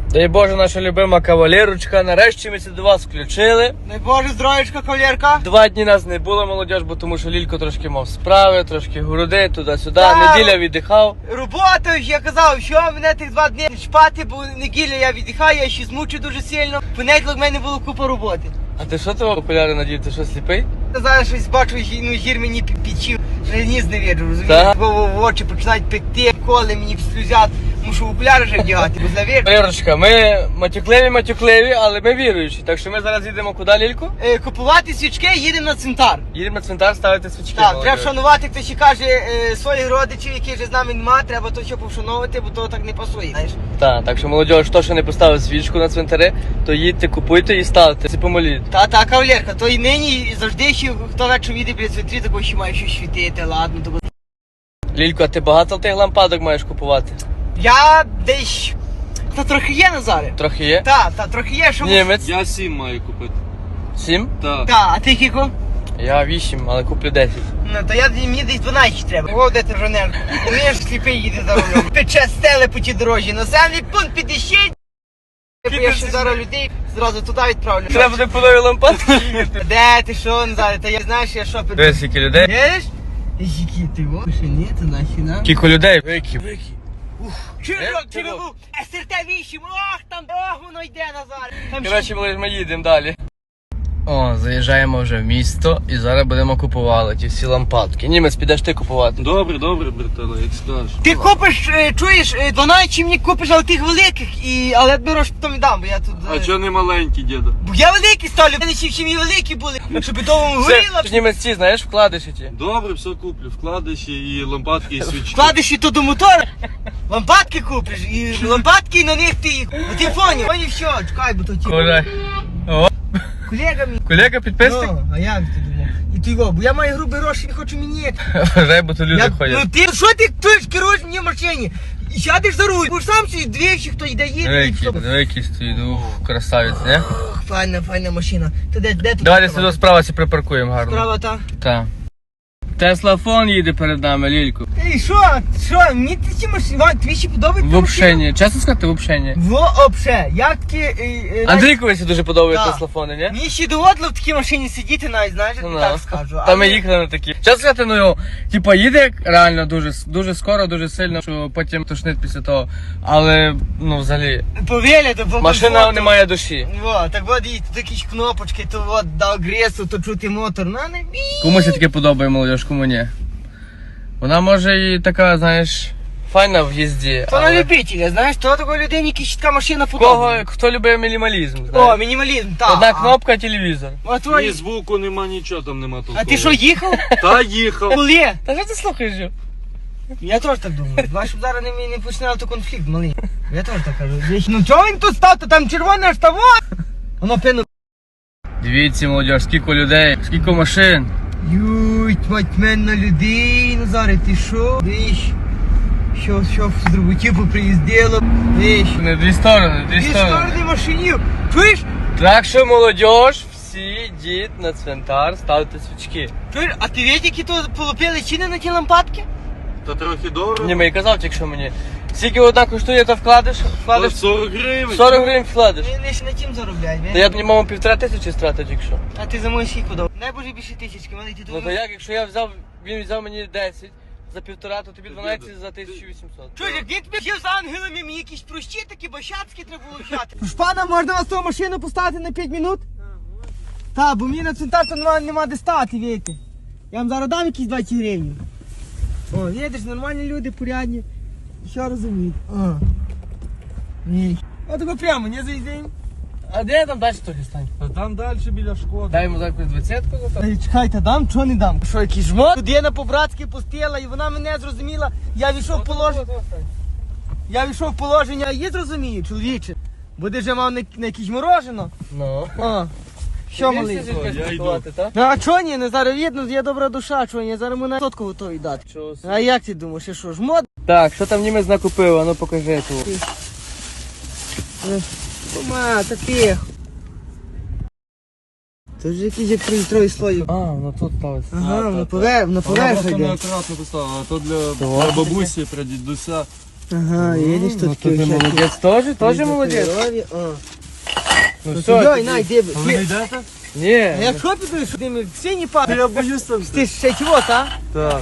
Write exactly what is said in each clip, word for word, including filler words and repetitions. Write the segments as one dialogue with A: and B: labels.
A: Дай Боже, наша любима кавалерочка, нарешті ми це до вас включили.
B: Дай Боже, здоровечка, кавалерка.
A: Два дні нас не було, молодіж, бо тому що Лілько трошки мав справи, трошки груди, туди-сюди,
B: Так.
A: неділя віддихав.
B: Робота, я казав, що мене тих два дні чпати, бо неділя я віддихаю, я ще змучу дуже сильно. Понеділок в мене було купа роботи.
A: А ти що того окуляри надів, ти що сліпий?
B: Зараз щось бачу, ну гір мені підчив, ніс не віджу, розумієш?
A: Так.
B: Бо в очі починають пекти, коли мені слюзять, мушу окуляри вже вдягати, бо завір.
A: Кавалерочка, ми матюкливі-матюкливі, але ми віруючі. Так що ми зараз їдемо куди, Лілько?
B: Е, купувати свічки, їдемо на цвинтар.
A: Їдемо на цвинтар ставити свічки.
B: Так,
A: молодіж.
B: треба шанувати, хто ще каже е, своїх родичів, які вже з нами нема, треба то що повшановувати, бо то так не пасує, знаєш.
A: Так, так що молодіж, хто ще не поставив свічку на цвинтарі, то їдьте, купуйте і ставте. Це помоліть.
B: Та, та, кавалерка, то і нині, і завжди ще, хто вечором їде біля цвинтрі, такого ще має щось світити, ладно, то.
A: Лілько, а ти багато тих лампадок маєш купувати?
B: Я десь, та трохи є, Назаре.
A: Трохи є?
B: Та, та, трохи є, що...
A: Німець?
C: Я сім маю купити.
A: Сім?
C: Так.
B: Та, а ти кіко?
A: Я вісім, але куплю десять.
B: Ну, то я, мені десь дванадцять треба. О, де ти жонер? Він ж сліпий їде за рулем. Пече стеле по тій дорожі. Населений пункт підійшіть. Я ще зараз людей зразу туди відправлю.
A: Треба буде по нові лампадки їхати.
B: Де ти що, Назаре? Та я знаєш, я що...
A: Дивись, скільки людей.
B: Видиш? Які ти, о, ще ні, то наші нам.
A: Кілько людей. Вики, вики.
B: Чирок,
A: Е,
B: чирок, ес ер те вісім, ох, там, ох, воно йде, Назар. Там ще...
A: Коротше, ми- ми їдемо далі. О, заїжджаємо вже в місто і зараз будемо купувати ті всі лампадки. Німець, підеш ти купувати.
C: Добре, добре, братела, як скажеш.
B: Ти купиш, е, чуєш, е, дванадцять чи мені купиш, але тих великих, і, але я беру, що потім віддам, бо я тут...
C: А
B: е,
C: чого не маленький, діда?
B: Бо я великий ставлю, в мене ще в сім'ї великі були, щоб довго горіло.
A: Все, ж німець ці, знаєш, вкладиші ті.
C: Добре, все куплю. Вкладиші і лампадки, і свічки.
B: Вкладеш і то до мотора, лампадки купиш, і лампадки, і на них ти їх, бо ти поняв, поняв що, чекай, бо то ті...
A: Колега. О,
B: Колега мій.
A: колега підписник.
B: Ну, а як ти думав? І ти його, бо я маю грубі гроші, не хочу міняти.
A: Вважай, бо то люди
B: Я,
A: ходять.
B: ну ти, що ти тут керуєш мені в машині? І сядеш за руль, будеш сам собі двічі, хто йде їде. і
A: Великий,
B: все.
A: великий стоїть, ух, красавець, не?
B: Ох, файна, файна машина. Ти де, де тут?
A: Давай десь сюди справа сі припаркуємо гарно.
B: Справа та.
A: Так. Теслафон їде перед нами, Лілько.
B: Ей, що? Що? Мені ті ці машини, Вань, тобі ще подобається?
A: Вообще ні. Чесно сказати, вообще ні.
B: Вообще, як такі... е, е,
A: Андрійкові дуже подобаються
B: Так.
A: теслафони, ні?
B: Мені ще доводило в такій машині сидіти навіть, знаєш, я
A: Ну,
B: тобі
A: да.
B: так скажу.
A: Та
B: Але-
A: ми їхали на такі. Чесно сказати, ну його, типа, їде як реально дуже, дуже скоро, дуже сильно, що потім тошнить після того. Але, ну, взагалі,
B: Повіля, то по
A: машина
B: комфорту.
A: не має душі.
B: Во, так от і тут якісь кнопочки, то от дав гресу, то чути мотор, на не бій.
A: Комусь таке подобає, молодіж, кому ні. Вона може і така, знаєш, файна в їзді.
B: То на
A: але
B: любителя, знаєш, то такої людині якась така машина
A: кого,
B: подобає.
A: хто любить мінімалізм,
B: О,
A: знаєш.
B: мінімалізм, так.
A: Одна кнопка, телевізор.
B: А
C: Ні
B: твої...
C: звуку, нема нічого, там нема толкового.
B: А ти що, їхав?
C: Та їхав.
B: Коли?
A: Та що ти слухаєш? Жо?
B: Я теж так думаю. Два, щоб зараз не, не починав то конфлікт малий. Я теж так кажу. Віч, ну чого він тут став, то там червоне аж того. Воно пину.
A: Дивіться, молодіж, скільки людей, скільки машин.
B: Юй, мать мен на людей, Назаре, ти що? Віч, що, що з роботів поприїздило. Віч.
A: Не дві сторони, дві
B: Дві
A: сторони.
B: сторони машинів. Чуєш?
A: Так що, молодіж, всі йдіть на цвинтар, ставте свічки.
B: Чуєш, а ти видиш, які то полупили ціни на ті лампадки?
C: Та трохи дорого.
A: Ні, мені казав тільки що мені. Скільки одна коштує, то вкладеш, вкладеш
C: сорок гривень.
A: сорок гривень вкладеш.
B: Він лише на тім заробляє.
A: Та я б мав півтора тисячі стратив тільки що.
B: А ти за мою скільки дав? Найбоже більше тисячки, малий, ти
A: Ну
B: тут.
A: то як, якщо я взяв, він взяв мені десять за півтора, то тобі дванадцять за тисячу вісімсот.
B: Чуєш, як він тобі взяв з ангелами, мені якісь прощі такі бащацькі треба було взяти. Шпана, можна вас ту машину поставити на п'ять минут? Так, бо мені на цвинтар то нема, нема де стати, віки. Я вам зараз дам якісь двадцять гривень. О, видиш, нормальні люди, порядні. Що розуміють? О. Ні. Отако прямо, не заїздимо.
A: А де там далі трохи стань?
C: А там далі біля шкоди.
A: Дай йому якусь двадцятку за то.
B: Ей, чекайте, дам, чого не дам? Що, якийсь жмот? Людина по-братськи пустила, і вона мене зрозуміла. Я війшов в положення. Я війшов в положення, а її зрозумію, чоловіче. Буде вже мав на, на якесь морожено.
A: Ну.
B: О, що малий?
C: Я йду.
B: А чого ні, не зараз видно, є добра душа, чого ні, зараз мене сотку готові дати.
A: Чого собі?
B: А як ти думаєш, і що, жмот?
A: Так, що там німець накупив, а ну покажи тут.
B: Кума, та тихо. Це ж якийсь як трилітровий слой.
A: А, ну тут ставиться.
B: Ага,
C: та,
B: воно
C: та.
B: пове, воно
C: Вона
B: поверх
C: просто
B: йде.
C: неаккуратно поставила, а то для,
A: Того?
C: для бабусі, для дідуся.
B: Ага, їдеш
A: Ну,
B: тут.
A: то ти молодець теж, теж молодець.
B: Ну
A: Ну
B: все,
A: все,
B: дай,
A: тоді.
B: най, де.
C: А ви не йдете?
A: Ні.
B: А якщо підеш, ти ми сині пати.
C: Я боюсь там.
B: Ти ж ще чого, та?
C: Так.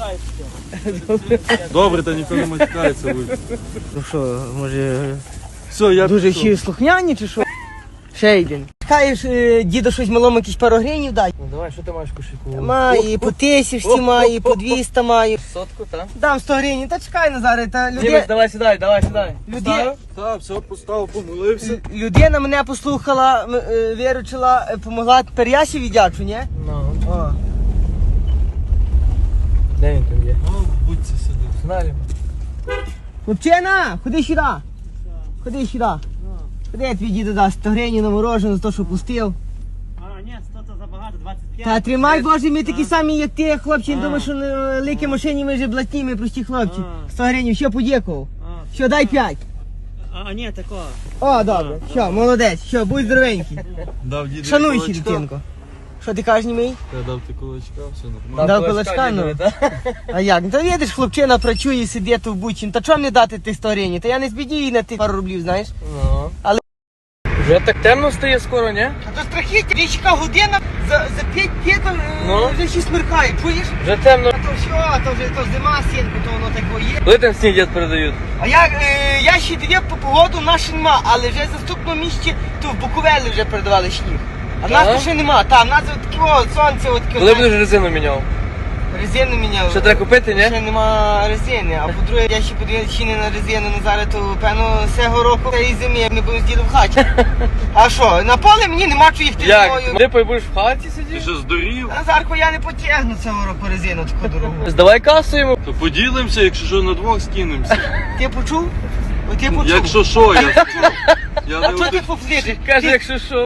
C: Добре, та ніхто не матюкається. ви.
B: Ну що, може,
C: Все, я
B: дуже
C: пішов.
B: ще слухняні чи що? Ще один. Чекаєш, е, діду щось малому якісь пару гривень дай?
A: Ну давай, що ти маєш в кошельку?
B: Має, і по тисячці має, і по двісті має.
A: Сотку, так?
B: Дам сто гривень, та чекай, Назаре, та
A: Дімець,
B: люди...
A: давай сідай, давай сідай.
B: Люди...
C: Так, все, поставив, помолився.
B: Людина мене послухала, м- е, виручила, е, помогла, тепер я ще віддячу, ні?
A: Ну,
B: О.
A: де він там є?
C: Ну, будьте сюди.
A: Знали.
B: Хлопчина, ходи сюди. Ходи сюди. Ходи, я твій діду дасть сто гривень на морожене за те, що пустив.
D: А, ні, сто то забагато, двадцять п'ять.
B: Та тримай, Боже, ми такі самі, як ти, хлопці, не думаєш, що на великій машині ми вже блатні, ми прості хлопці.
D: А.
B: сто гривень, що подякував.
D: А,
B: Що, дай п'ять.
D: а, ні, такого.
B: О, добре, що, молодець, що, будь здоровенький.
C: Дав діду
B: Шануй ще,
C: кулачка.
B: дитинко. Що ти кажеш, німий?
C: Я дав ти кулачка, все нормально.
B: Дав кулачка, ну.
A: дідові, так?
B: А як? Та видиш, хлопчина працює, сидить в бучі. Та чому не дати тих сто гривень? Та я не збідію їй на тих пару рублів, знаєш?
A: Ну.
B: Але-
A: Вже так темно стає скоро, ні?
B: А то страхіття, річка година, за, за п'ять п'ять
A: Ну.
B: вже ще смеркає, чуєш?
A: Вже темно.
B: А то все, то вже то зима, сінку, то воно таке є.
A: Коли там сніг дід передають?
B: А я, е, я ще дивив по погоду, наші нема, але вже в наступному місці, то в Буковелі вже передавали сніг. А в нас
A: Так?
B: то ще нема, там, в нас от таке, о, сонце, от таке.
A: Коли будеш резину міняв?
B: Резину міняв.
A: Що треба купити, ні?
B: Ще нема резини, а по-друге, я ще подивився, чи не на резину, ну зараз то, певно, цього року цієї зими ми будемо з дідом в хаті. А що, на поле мені нема чого їхати
A: Як?
B: зимою.
A: Ти будеш в хаті
C: Ти
A: сидіти?
C: що, здурів?
B: Назарко, я не потягну цього року резину таку дорогу.
A: Здавай касу йому.
C: То поділимося, якщо що, на двох скинемося.
B: Ти почув? О, ти почув?
C: Якщо що, я скажу. Я
B: А
C: не
B: чого ти
C: один.
B: пофлітиш?
A: Каже, якщо що.